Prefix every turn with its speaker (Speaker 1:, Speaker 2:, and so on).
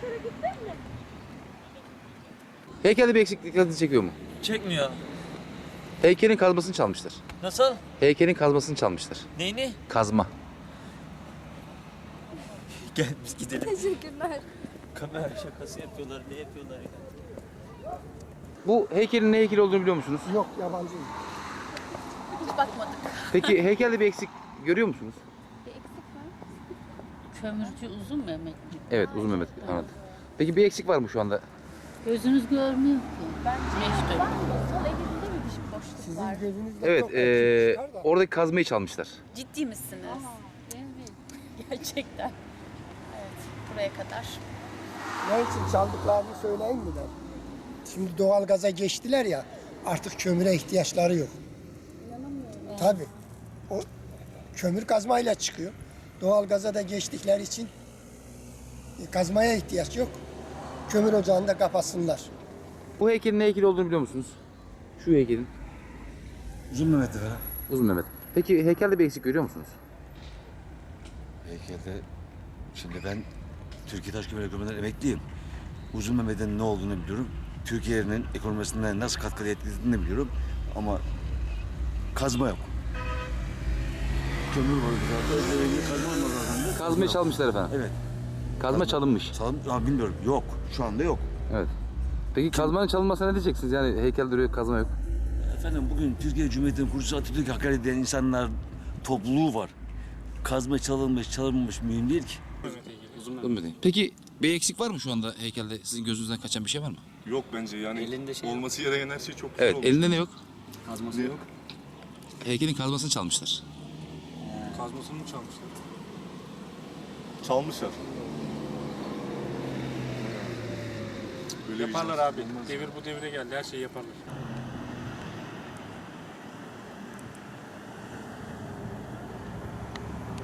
Speaker 1: Heykelde bir eksiklik dikkatinizi çekiyor mu?
Speaker 2: Çekmiyor.
Speaker 1: Heykelin kazmasını çalmışlar.
Speaker 2: Nasıl?
Speaker 1: Heykelin kazmasını çalmışlar.
Speaker 2: Neyini?
Speaker 1: Kazma.
Speaker 2: Gel biz gidelim.
Speaker 3: Teşekkürler.
Speaker 2: Kamera şakası yapıyorlar. Ne yapıyorlar ya?
Speaker 1: Bu heykelin ne heykeli olduğunu biliyor musunuz?
Speaker 4: Yok, yabancıyım.
Speaker 3: Hiç bakmadık.
Speaker 1: Peki heykelde bir eksik görüyor musunuz?
Speaker 3: Bir eksik var.
Speaker 5: Kömürcü Uzun Mehmet mi?
Speaker 1: Evet, Uzun Mehmet. Anladım. Peki bir eksik var mı şu anda?
Speaker 5: Gözünüz görmüyor ki. Meşgul.
Speaker 3: Var mı? Sol elinde mi bir boşluk
Speaker 4: Sizin
Speaker 3: var?
Speaker 4: gözünüzde
Speaker 1: Evet,
Speaker 4: çok eksik çıkar da.
Speaker 1: oradaki kazmayı çalmışlar.
Speaker 3: Ciddi misiniz?
Speaker 5: Evet.
Speaker 3: Gerçekten. Evet, buraya kadar.
Speaker 4: Ne için çaldıklarını söyleyeyim mi ben? Şimdi doğalgaza geçtiler ya, artık kömüre ihtiyaçları yok. Tabii. O kömür kazmayla çıkıyor. Doğalgaza da geçtikleri için kazmaya ihtiyaç yok. Kömür ocağını da kapatsınlar.
Speaker 1: Bu heykelin ne heykeli olduğunu biliyor musunuz? Şu heykelin.
Speaker 6: Uzun Mehmet'ti falan.
Speaker 1: Uzun Mehmet. Peki heykelde bir eksik görüyor musunuz?
Speaker 6: Heykelde, şimdi ben Türkiye Taş Kömür Ekonomi'den emekliyim. Uzun Mehmet'in ne olduğunu biliyorum. Türkiye'nin ekonomisine nasıl katkı etkilediğini de biliyorum. Ama kazma yok. Kömür var burada. Kazma olmaz zaten.
Speaker 1: Kazmayı çalmışlar efendim.
Speaker 6: Evet.
Speaker 1: Kazma çalınmış.
Speaker 6: Bilmiyorum. Yok. Şu anda yok.
Speaker 1: Evet. Peki kazmanın çalınmasına ne diyeceksiniz? Yani heykel duruyor, kazma yok.
Speaker 6: Efendim bugün Türkiye Cumhuriyeti'nin kurucusu Atatürk'ü hakaret eden insanlar topluluğu var. Kazma çalınmış, çalınmamış mühim değil ki.
Speaker 1: Uzun Mehmet. Peki bir eksik var mı şu anda heykelde? Sizin gözünüzden kaçan bir şey var mı?
Speaker 7: Yok bence yani
Speaker 2: Elinde şey
Speaker 7: olması gereken her şey çok güzel
Speaker 1: Evet,
Speaker 7: olmuş.
Speaker 1: elinde ne yok?
Speaker 7: Kazması yok.
Speaker 1: Heykelin kazmasını çalmışlar.
Speaker 7: Kazmasını mı çalmışlar? Çalmışlar. Böyle
Speaker 8: Yaparlar abi. Devir bu devire geldi. Her şeyi yaparlar.